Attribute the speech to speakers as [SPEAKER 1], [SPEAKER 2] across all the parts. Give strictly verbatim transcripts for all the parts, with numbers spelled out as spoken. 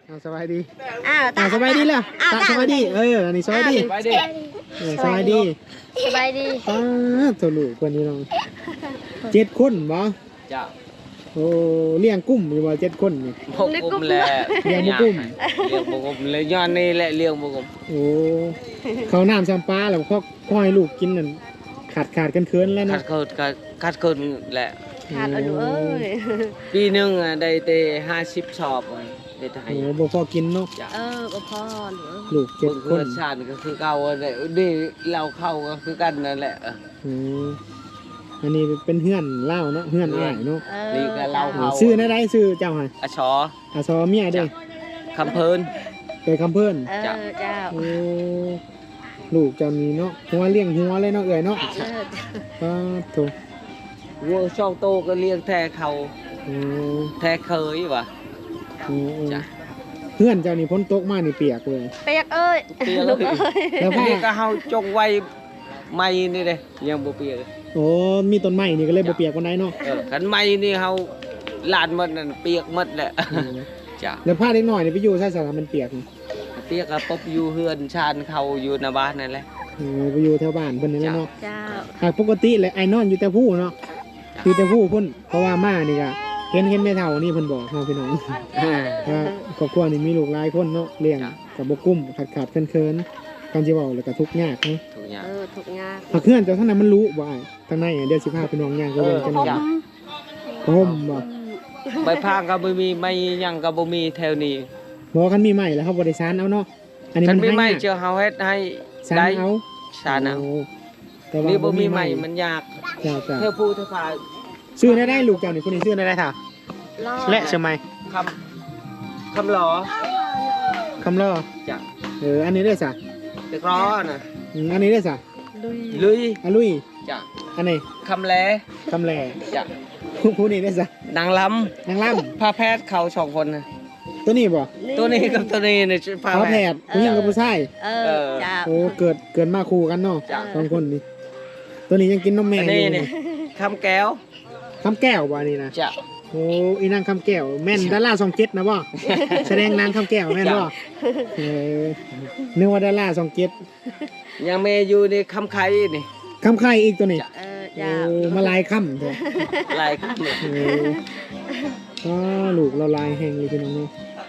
[SPEAKER 1] สบายดี
[SPEAKER 2] อ้าว
[SPEAKER 1] สบายดีแล้วตาสบายดีเอออันนี้สบายดีสบายดีสบายดี
[SPEAKER 2] สบายดี
[SPEAKER 1] อ้าตัวลูกคนนี้น้องเจ็ดคนบ่
[SPEAKER 3] จ้า
[SPEAKER 1] โอ้เลี้ยงกุ้มอยู่ว่าเจ็ดคนนี่
[SPEAKER 3] พกกุ้มแหละ
[SPEAKER 1] เลี้ยงบุกุ้ม
[SPEAKER 3] เลี้ยงบุกุ้มเลยย้อนนี่แหละเลี้ยงบุกุ้ม
[SPEAKER 1] โอ้เขาน้ำซัมปลาแล้วพ่อพ่อให้ลูกกินนั่นขาดขาดกันเคินแล้ว
[SPEAKER 3] ขา
[SPEAKER 1] เนาะ
[SPEAKER 3] ดเคินขาดขาดเคินแหละ
[SPEAKER 2] ขาดเอาดูเอ้ย
[SPEAKER 3] ปีหนึ่งได้เตะห้าสิบชอบได้ไทย
[SPEAKER 1] โอ้บ่พอกินเนาะ
[SPEAKER 2] เออบ่พอหรือ
[SPEAKER 1] ลูกเจ็ดคน
[SPEAKER 3] ชาติก็คือเก่าเลยดีเราเข้าก็คือกันนั่นแหละ
[SPEAKER 1] อืมอันนี้เป็นเฮือนเล่าเนาะเฮือนอ้ายเนาะ
[SPEAKER 3] นี่ก็เล่าเขา
[SPEAKER 1] ซื้อได้ได้ซื้อเจ้าให้
[SPEAKER 3] อาชอ
[SPEAKER 1] อาซอเมียเด้
[SPEAKER 3] คำเพิ่น
[SPEAKER 1] เกิดคำเพิ่น
[SPEAKER 2] เออเจ้า
[SPEAKER 1] โอ้ลูกเจ้านี้เนาะหัวเลี้ยงหัวเลยเนาะเอ้ยเนาะป้าโถ
[SPEAKER 3] วัวช่องโตก็เลี้ยงแท้เขาแท้เคยวะ
[SPEAKER 1] จ้ะเพื่อนเจ้านี่พ้นตกมานี่เปียกเลย
[SPEAKER 2] เปียกเอ้ย
[SPEAKER 3] เปียกเลยแล้วนี่ก็เฮาจงไว้ไม่นี่เลยยังบ่เปียก
[SPEAKER 1] โอ้มีต้นไม้นี่ก็เลยบ่เปียกวันไหนเนาะ
[SPEAKER 3] เออคันไม้นี่เฮาลานมันนั่นเปียกหมดแหละจ้ะ
[SPEAKER 1] แล้วผ้าเล็กน้อยนี่ไปอยู่ใส่สามันเปียก
[SPEAKER 3] เปียกก็ปบอยู่เฮือนชานเขาอยู่หน้าบ้านนั่นแหละ
[SPEAKER 1] เออไปอยู่แถวบ้านเพิ่นนี่แหละเนาะ
[SPEAKER 2] จ้า
[SPEAKER 1] หากปกติเลยไอ้นอนอยู่แต่ผู้เนาะอยู่แต่ผู้เพิ่นเพราะว่าม่านี่ก็เห็นเห็นแม่เฒ่านี่เพิ่นบอกเฮาพี่น้องว่าครอบครัวนี่มีลูกหลายคนเนาะเลี้ยงก็บ่กุ้มขาดๆเคินๆกันสิเว้าแล้วก็ทุกข์ยากเนาะ
[SPEAKER 3] ทุกข์ยาก
[SPEAKER 2] เออทุกข์ยาก
[SPEAKER 1] ถ้าเพื่อนเจ้าท่านนั้นมันรู้บ่ทางในเดี๋ยวสิพาพี่น้องย่างก็เว้นกันหน่อยห่มบ่
[SPEAKER 3] ใบพางก็บ่มีไม่ยังก็บ่มีแถวนี้
[SPEAKER 1] บ่คันมีไม้แล้วเฮาบ่ได้ซานเอาเนาะ
[SPEAKER 3] อันนี้มันมีไม้เจอเฮาเฮ็ดให้
[SPEAKER 1] ได้เอา
[SPEAKER 3] ซานเอานี่บ่มีไม้มันยาก
[SPEAKER 1] จ้าๆ
[SPEAKER 3] เธอผู้เธอพา
[SPEAKER 1] ซื้อได้ได้ลูกเจ้านี่คนนี้ซื้อได้ได้ท่าและใช่มั้ย
[SPEAKER 3] คำคำหลอ
[SPEAKER 1] คำล้อ
[SPEAKER 3] จ้ะ
[SPEAKER 1] เอออันนี้ได้ซะ
[SPEAKER 3] เด็กร้อน่ะ
[SPEAKER 1] อืมอันนี้ได้ซะ
[SPEAKER 3] ลุยลุย
[SPEAKER 1] อ่ะลุย
[SPEAKER 3] จ้ะ
[SPEAKER 1] อันนี้
[SPEAKER 3] คำแล
[SPEAKER 1] คำแล
[SPEAKER 3] จ้ะ
[SPEAKER 1] ผู้นี้ได้ซะ
[SPEAKER 3] นางลำ
[SPEAKER 1] นางลำ
[SPEAKER 3] พาแพทย์เขาสองคนน่ะ
[SPEAKER 1] ตัวนี้บ่
[SPEAKER 3] ตัวนี้กับตัวนี้นี่
[SPEAKER 1] พาแพทย์ผู้หญิงกับผู้ชาย
[SPEAKER 2] เออจ้า
[SPEAKER 1] โอ้เกิดเกิดมาคู่กันเนาะสองคนนี้ตัวนี้ยังกินนมแม่อยู่
[SPEAKER 3] นี่คำแก้ว
[SPEAKER 1] คำแก้วบ่นี่นะ
[SPEAKER 3] จ้ะ
[SPEAKER 1] โอ้อีนางคำแก้วแม่นดาราสองเจ็ดนะบ่แสดงนางคำแก้วแม่นบ่เออนึกว่าดาราสองเจ็ด
[SPEAKER 3] ยังแม่อยู่ในคำไข่นี่
[SPEAKER 1] คำไข่อีกตัวนี้
[SPEAKER 2] เออจ้า
[SPEAKER 1] โอ้มาลายคำเถอะ
[SPEAKER 3] ลายคำ
[SPEAKER 1] เออก็ลูกเราลายแห้งเลยพี่น้องเนาะ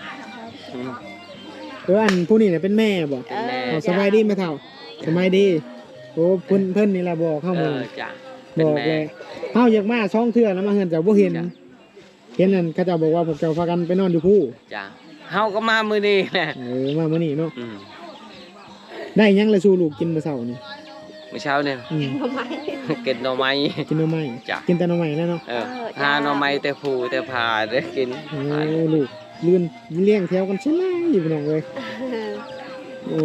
[SPEAKER 1] เอออันผู้นี้เนี่ยเป็นแม่บ่สบายดีไหมเฒ่าสบายดีโอ้เพิ่นเพิ่นนี่ล่ะบอกเข้ามาบอกเลยเฮาอยากมาช่องเทื่อแล้วมาเฮือนเจ้าบ่เห็นเห็นนั่นเขาเจ้าบอกว่าพวกเจ้าพากันไปนอนอยู่ผู้
[SPEAKER 3] จ้ะเฮาก็มามื้อนี้แหละ
[SPEAKER 1] เออมามื้อนี้เนาะได้ยังละสู่ลูกกินมื้อเช้านี่
[SPEAKER 3] มื้อเช้าเนี่ยกินหน่อไม้
[SPEAKER 1] กินหน่อไม้
[SPEAKER 3] จ้ะ
[SPEAKER 1] กินแต่หน่อไม้แล้วเนาะ
[SPEAKER 3] เออหาหน่อไม้แต่ผู้แต่พาได้กิน
[SPEAKER 1] โอ้ลูกเลื่อนเลี้ยงแถวกันใช่ไหมอยู่พี่น้องเอ้ยโอ้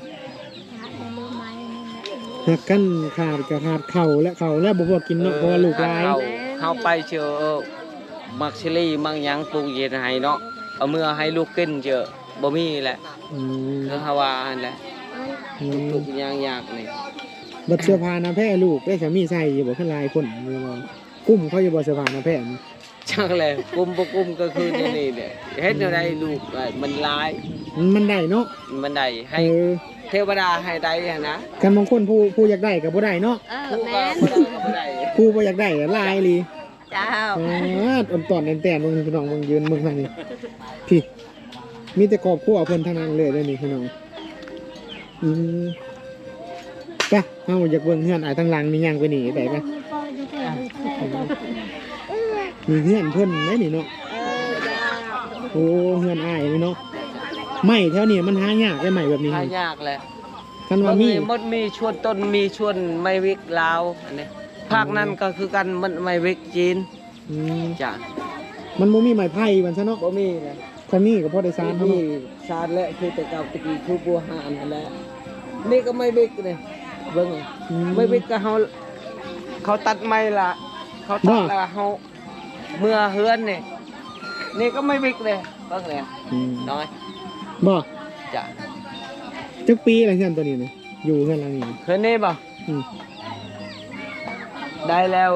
[SPEAKER 1] หักกันขาดกับขาดเข่าและเข่าและบ่พอกินเนาะเพราะว่าลูกหลาย
[SPEAKER 3] เฮาไปเจอมักชิลี่มังยังปลูกเย็นให้เนาะเอาเมื่อให้ลูกกินเจอบ่มีแหละ
[SPEAKER 1] อืม
[SPEAKER 3] คือฮาวาอันแหละทุกๆอย่างยากนี่
[SPEAKER 1] บัดเสื้อผ้าหน้าแพร่ลูกได้สามีใส่อยู่บ่คือหลายคนกุ้มเขาอยู่บ่เสื้อผ้าหน้าแพร่
[SPEAKER 3] จังเลยกุมบ่กุมก็คือนี่นี่เนี่ยเฮ็ดแนวใดลูกมันหลาย
[SPEAKER 1] มันได้เนาะ
[SPEAKER 3] มันได้ให้เทวดาให้ได้นะ
[SPEAKER 1] กันบางคนผู้ผู้อยากได้ก็บ่ได้เนาะ
[SPEAKER 3] ผู้ก็บ่ได้
[SPEAKER 1] ผู้บ่อยากได้หลายอีหลี
[SPEAKER 2] จ้า
[SPEAKER 1] อ๋ออ่อนตอนแน่นๆมึงพี่น้องมึงยืนมึงทางนี้พี่มีแต่ครอบครัวเพิ่นทั้งนั้นเลยเด้อนี่พี่น้องอืมไปเฮาอยากเบิ่งเฮือนอ้ายทางหลังนี่ย่างไปนี่ได้ป่ะมีเฮือนเพิ่นได้นี่เนาะโอ้เฮือนอ้ายนี่เนาะไม้แถวนี้มันหายากได้ไม้แบบนี้
[SPEAKER 3] หายากแหละ
[SPEAKER 1] คันว่ามี
[SPEAKER 3] มดมีชวนต้นมีชวนไม้วิกลาวอันนี้ภาคนั้นก็คือกันมันไม้วิกจีน
[SPEAKER 1] อืม
[SPEAKER 3] จ้ะ
[SPEAKER 1] มันบ่มีไม้ไผ่มันซะเนาะ
[SPEAKER 3] บ่มีเลย
[SPEAKER 1] คันนี้ก็พอได้ซานเฮา
[SPEAKER 3] ซานและคือแต่เก่าตะกี้คือบัวหานนั่นแหละนี่ก็ไม้วิกนี่เบิ่งไม้วิกก็เฮาเขาตัดไม้ละเขาตัดแล้วเฮาเมื่อเฮือนนี่นี่ก็ไม้วิกเลยเบิ่งเลยน้อย
[SPEAKER 1] บ่
[SPEAKER 3] จ้ะ
[SPEAKER 1] จักปีอะไรเฮือนตัวนี้นี่อยู่เฮือนหลังนี้
[SPEAKER 3] เฮือนนี่บ่
[SPEAKER 1] อืม
[SPEAKER 3] ได้แล้ว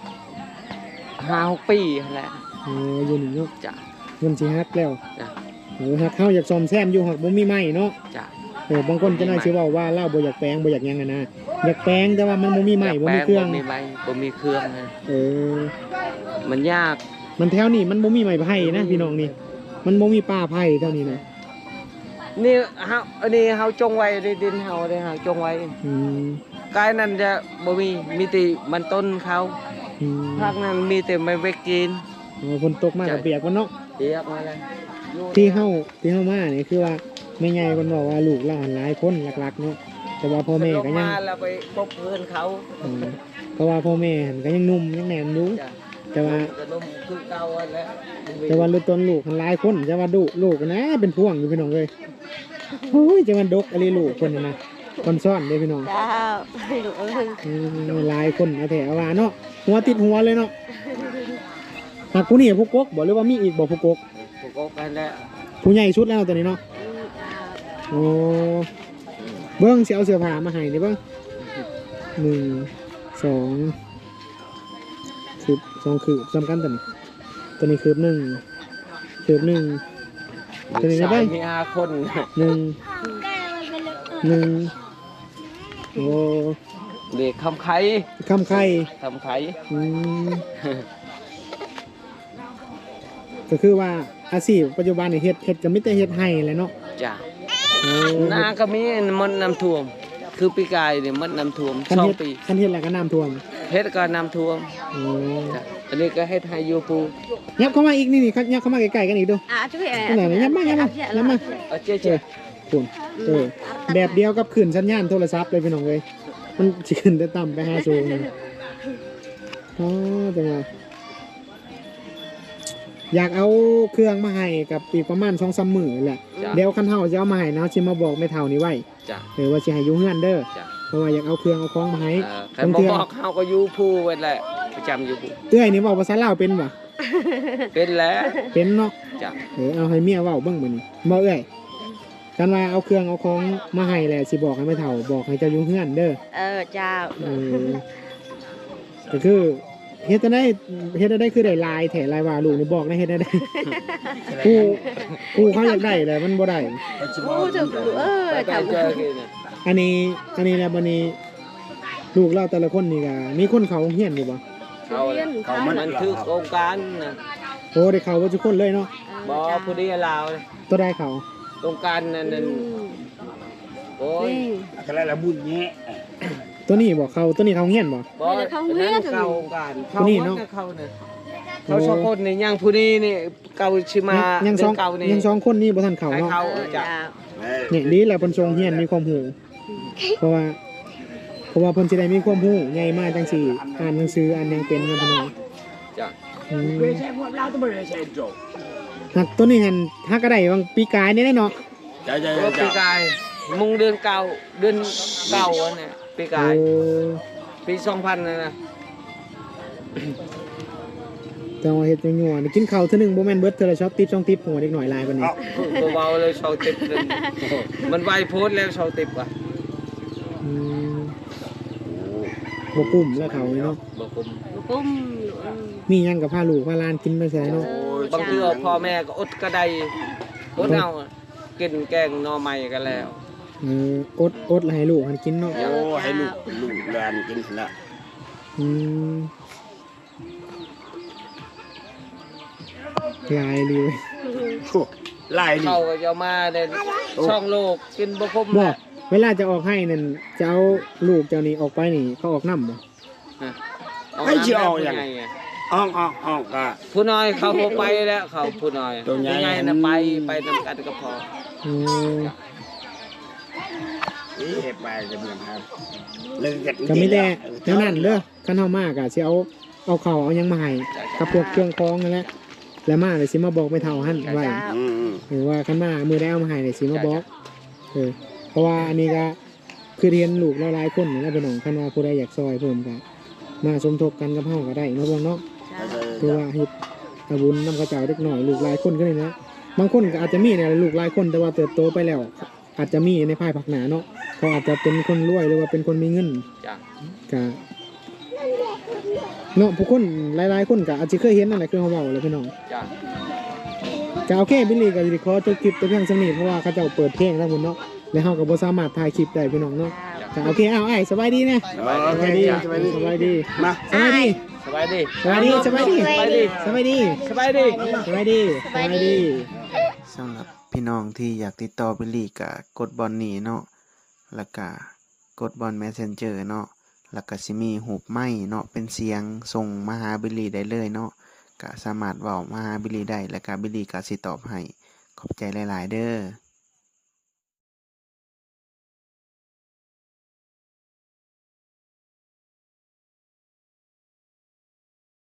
[SPEAKER 3] ห้าหกปีแหละ
[SPEAKER 1] โอ้อยู่นี่เนาะ
[SPEAKER 3] จ้ะ
[SPEAKER 1] เงินสิฮักแล้ว
[SPEAKER 3] จ้ะ
[SPEAKER 1] เออหักเฮาอยากซ่อมแซมอยู่หักบ่มีไม้เนาะ
[SPEAKER 3] จ้ะ
[SPEAKER 1] เออบางคนจะน่าสิเว้าว่าเราบ่อยากแปลงบ่อยากหยังอะนะอยากแปลงแต่ว่ามันบ่มีไม้บ่มีเครื่อง
[SPEAKER 3] บ่มีไม้บ่มีเครื่องนะ
[SPEAKER 1] เออ
[SPEAKER 3] มันยาก
[SPEAKER 1] มันแถวนี้มันบ่มีไม้ไผ่นะพี่น้องนี่มันบ่มีป่าไผ่เท่านี้นะ
[SPEAKER 3] นี่เฮาอันนี้เฮาจงไว้ในดินเฮาได้เฮาจงไว้
[SPEAKER 1] อืม
[SPEAKER 3] กายนั้นจะบ่มีมีแต่มันต้นเขา
[SPEAKER 1] อืม
[SPEAKER 3] ภาคนั้นมีแต่ไม้เวกกิน
[SPEAKER 1] อ๋อฝนตกมาก็เปียกมันเนาะ
[SPEAKER 3] เรียกมาเลยอยู่
[SPEAKER 1] ที่เฮาที่เฮามานี่คือว่าแม่ใหญ่เพิ่นบอกว่าลูกหลานหลายคนหลักๆเนาะแต่ว่าพ่อแม่ก็
[SPEAKER 3] ล
[SPEAKER 1] ยัง
[SPEAKER 3] มาแล้วไปพบเพื่อนเขา
[SPEAKER 1] อืมเพราะว่าพ่อแม่หันก็ยังหนุ่มยังแน่นอยู่
[SPEAKER 3] จ้ะ
[SPEAKER 1] แต่ว่า
[SPEAKER 3] กระนมคือเก่าอันแล้ว
[SPEAKER 1] แต่ว่าลูกต้นลูกหันหลายคนจะว่าดุลูกนะเป็นพวงอยู่พี่น้องเอ้ยโอ้ยจะมันดกอะไรลูกคนน่ะนะคนซ่อนเด้พี่น้อง
[SPEAKER 2] เจ้าลูกเอ้ย
[SPEAKER 1] อืมหลายคนเอาแถวว่าเนาะหัวติดหัวเลยเนาะหากผู้นี่ผู้กกบอกเลยว่ามีอีกบอกผู้กก
[SPEAKER 3] พวกเขากันแล้ว
[SPEAKER 1] ผู้ใหญ่ชุดแล้วตัวนี้เนาะ
[SPEAKER 2] อืมเจ้า
[SPEAKER 1] โอ้เบิ้งสิเอาเสื้อผ้ามาให้นี่เบิ้งหนึ่งสองคืบสองคืบสำคัญตัวนี้ตัวนี้คืบหนึ่งคืบหนึ่งตัวนี้นะ
[SPEAKER 3] ชา
[SPEAKER 1] เบิ้
[SPEAKER 3] ย
[SPEAKER 1] ง
[SPEAKER 3] มีห้าคน
[SPEAKER 1] หนึ่งหนึ่งโอ้
[SPEAKER 3] เด็กคำไข่
[SPEAKER 1] คำไข่
[SPEAKER 3] คำไข่
[SPEAKER 1] อืมก็คือว่าอาชีพปัจจุบันนี่เฮ็ดเฮ็ดก็ไม่แต่เฮ็ดให้แหละเนาะ
[SPEAKER 3] จ้ะ
[SPEAKER 1] โอ้
[SPEAKER 3] นาก็มีมันน้ำท่วม คือปีกายเนี่ยมันน้ำท่วม
[SPEAKER 1] คัน
[SPEAKER 3] สอง
[SPEAKER 1] เฮ็ด
[SPEAKER 3] ปี
[SPEAKER 1] คันเฮ็ดแล้วก็น้ำท่วม
[SPEAKER 3] เฮ็ดก็น้ำท่วม
[SPEAKER 1] โอ้
[SPEAKER 3] จ้ะอันนี้ก็เฮ็ดให้อยู่ปู
[SPEAKER 1] ยับเข้ามาอีกนี่นี่ครับยับเข้ามาใกล้ๆกันอีกดู
[SPEAKER 2] อ่ะช่วย
[SPEAKER 1] นั่นแหละยับมายับมายับมา
[SPEAKER 3] เอาเจ๊
[SPEAKER 1] เอ
[SPEAKER 3] เจ๊
[SPEAKER 1] อคุณเออแบบเดียวกับขึ้นสัญญาณโทรศัพท์เลยพี่น้องเลยมันสิขึ้นแต่ต่ำไปห้าสูงนะอ๋อจังหวะอยากเอาเครื่องมาให้กับอีกประมาณสองสามมื้อแหละ
[SPEAKER 3] จ้ะ
[SPEAKER 1] เดี๋ยวคันเฮาจะเอามาให้นะสิมาบอกแม่เฒ่านี่ไว้
[SPEAKER 3] จ้ะ
[SPEAKER 1] เออว่าสิให้อยู่เฮือนเด้อ
[SPEAKER 3] จ้ะ
[SPEAKER 1] เพราะว่าอยากเอาเครื่องเอาของมาให้
[SPEAKER 3] เออใครบ่บอกเขาก็อยู่ผู้ไว้แหละประจำอยู่ผู้
[SPEAKER 1] เอ้ยนี่เว้าภาษาลาวเป็นบ่
[SPEAKER 3] เป็นแล้ว
[SPEAKER 1] เป็นเนาะ
[SPEAKER 3] จ้ะ
[SPEAKER 1] เออเอาให้เมียเว้าเบิ่งมื้อนี้บ่เอ้ยกันว่าเอาเครื่องเอาของมาให้แหละสิบอกให้แม่เฒ่าบอกให้เจ้าอยู่เฮือนเด้อ
[SPEAKER 2] เออเจ้า
[SPEAKER 1] เออก็คือเฮ็ดจะได้เฮ็ดจะได้คือได้ลายแถลายว่าลูกนี่บอกได้เฮ็ดได้ได้กูกูเขาอยากได้แต่มันบ่ได้
[SPEAKER 2] โอ้ถึกลูกเอ้ย
[SPEAKER 3] ไป
[SPEAKER 2] ทำ
[SPEAKER 3] เจอกันน่ะ
[SPEAKER 1] อันนี้อันนี้แล้วบัดนี้ลูกเราแต่ละคนนี่ก็มีคนเขาเฮียนอยู่บ่
[SPEAKER 3] เขาแหละเขามันคือโครงการนะ
[SPEAKER 1] โอ้ได้เขาบ่ทุกคนเลยเนาะ
[SPEAKER 3] บ่ผู้เดียวลาว
[SPEAKER 1] ตัวได้เขา
[SPEAKER 3] โครงการนั่นนั่นโอ้ย
[SPEAKER 4] อะไรละบุญแง่
[SPEAKER 1] ตัวนี้บ่เขาตัวนี้เขาเฮียนบ่
[SPEAKER 3] บ่นั่นเข้าโครงการเข้า
[SPEAKER 1] ผู้นี่
[SPEAKER 3] วัด
[SPEAKER 1] เนาะ
[SPEAKER 3] นะเข้าน่ะเขาสองคนนี่ยังผู้นี้นี่เก่าชิมา
[SPEAKER 1] ยังสอง
[SPEAKER 3] เก่านี่
[SPEAKER 1] ยังสองคนนี้บ่ทันเขา
[SPEAKER 3] ให้
[SPEAKER 1] เนาะ
[SPEAKER 3] เขา
[SPEAKER 2] เออ
[SPEAKER 3] จ้ะ
[SPEAKER 2] เจ้า
[SPEAKER 1] นี่ดีแหละเพิ่นทรงเฮียนมีความรู้เพราะว่าเพราะว่าเพิ่นสิได้มีความรู้ใหญ่มากจังซี่อ่านหนังสืออ่านหยังเป็นนะพี่น้อง
[SPEAKER 3] จ้ะ
[SPEAKER 1] อืม
[SPEAKER 4] เวชพวกเราต้องไปใช้โจ
[SPEAKER 1] หักตัวนี้หันหักก็ได้บางปีกายนี่แน่เนาะ
[SPEAKER 4] จ้าจ้า
[SPEAKER 3] ก็ปี
[SPEAKER 4] จ้าก
[SPEAKER 3] ายมุงเดือนเก่าเดือนเก่าอันเนี่ยปีกาย
[SPEAKER 1] โอ้
[SPEAKER 3] ปีสองพันนะนะ
[SPEAKER 1] แต่ว่าเฮ็ดจังหวะนี่กินข้าวเทื่อหนึงบ่แม่นเบิดเทื่อละช็อตติปสองติปหัวเด็กหน่อยลายปานนี้
[SPEAKER 3] เบาๆเลยชาวติบเลยมันไวโพสต์แล้วชาวติบอ่ะ
[SPEAKER 1] อืมบ่กุ้มแล้วเขานี่เนาะ
[SPEAKER 3] บอกผม
[SPEAKER 2] ลูกปุ้มลูกเอ้ย
[SPEAKER 1] มีหยังกับพาลูกพาหลานกินไปใส่เนาะ
[SPEAKER 3] บางทีเอาพ่อแม่ก็อดก็ได้อดเอากินแกงหน่อไม้กันแล้ว
[SPEAKER 1] เอออดอดแล้วให้ลูกหันกินเนาะ
[SPEAKER 4] โอ้ให้ลูกลูกแลนกินละ
[SPEAKER 1] อืมลายเลย
[SPEAKER 4] ไล่ดิ
[SPEAKER 3] เขาก็จะมาในช่องโลกกินบะคม
[SPEAKER 1] บ่
[SPEAKER 3] นะ
[SPEAKER 1] เวลาจะออกให้นั่นจะเอาลูกเจ้านี่ออกไปนี่เขาออกน้ำบ่
[SPEAKER 4] ให้เชียว
[SPEAKER 3] ผู้
[SPEAKER 4] อย่าง
[SPEAKER 3] ใหญ่ไง
[SPEAKER 4] อ่องอ่องอ่องกะ
[SPEAKER 3] ผู้น้อยเขาบ่ไปแล้วเขาผู้น้อย
[SPEAKER 4] ตัวใหญ่
[SPEAKER 3] ผู้ใหญ่น่ะไปไปนำกันก็พอ
[SPEAKER 1] อืม
[SPEAKER 4] นี่เห็บไปจะเหมือนครับเลยเกิด
[SPEAKER 1] ก็มีแต่แนวนั้นเด้อคันเฮามากอ่ะสิเอาเอาข้าวเอาหยังมาให้กับพวกเครื่องคองนั่นแหละแล้วมาเลยสิมาบอกไม่เท่าหั่นไว้
[SPEAKER 2] เจ้า
[SPEAKER 4] อืม
[SPEAKER 1] หรือว่าคันมามือได้เอามาให้เลยสิมาบอกเออเพราะว่าอันนี้ก็คือเรียนลูกหลายๆคนนี่แหละพี่น้องคันว่าผู้ใดอยากซอยเพิ่มก็มาสมทบกันกับเฮาก็ได้เนาะบ่เนาะ
[SPEAKER 2] เจ้า
[SPEAKER 1] คือว่าเฮ็ดอาบุญนำกระเจ้าเด็กหน่อยลูกหลายคนก็ได้นะบางคนก็อาจจะมีเนี่ยลูกหลายคนแต่ว่าเติบโตไปแล้ว อาจจะมีในภายภาคหน้าเนาะเขาอาจจะเป็นคนรวยหรือว่าเป็นคนมีเงิน
[SPEAKER 3] จ้ะ
[SPEAKER 1] ก็เนาะผู้คนหลายๆคนก็อาจจะเคยเห็นนั่นแหละคือเขาเว้าเลยพี่น้อง
[SPEAKER 3] จ้ะ
[SPEAKER 1] ก็โอเคบิลลี่ก็สิขอจบคลิปแต่เพียงสำนี้เพราะว่าเขาเจ้าเปิดเพลงทั้งหมดเนาะแล้วเฮาก็บ่สามารถถ่ายคลิปได้พี่น้องเนาะก็โอเคเอาไอ้สบายดีนะ
[SPEAKER 4] โอ
[SPEAKER 1] ส
[SPEAKER 4] เค
[SPEAKER 1] บายดี
[SPEAKER 4] จ้ะ
[SPEAKER 1] สบายดีสบายดี
[SPEAKER 4] มา
[SPEAKER 1] สบายดี
[SPEAKER 3] สบายดี
[SPEAKER 1] สบายดีสบายดีสบายดีสบายดี
[SPEAKER 3] สบายดี
[SPEAKER 1] สบายดีสบายดี
[SPEAKER 5] สำหรับพี่น้องที่อยากติดต่อบิลลี่ก็กดบอลนี้เนาะแล้วก็กดบอล Messenger เนาะแล้วก็สิมีหูปไม้เนาะเป็นเสียงส่งมาหาบิลลี่ได้เลยเนาะก็สามารถเว้ามาหาบิลลี่ได้แล้วก็บิลลี่ก็สิตอบให้ขอบใจหลายๆเด้อ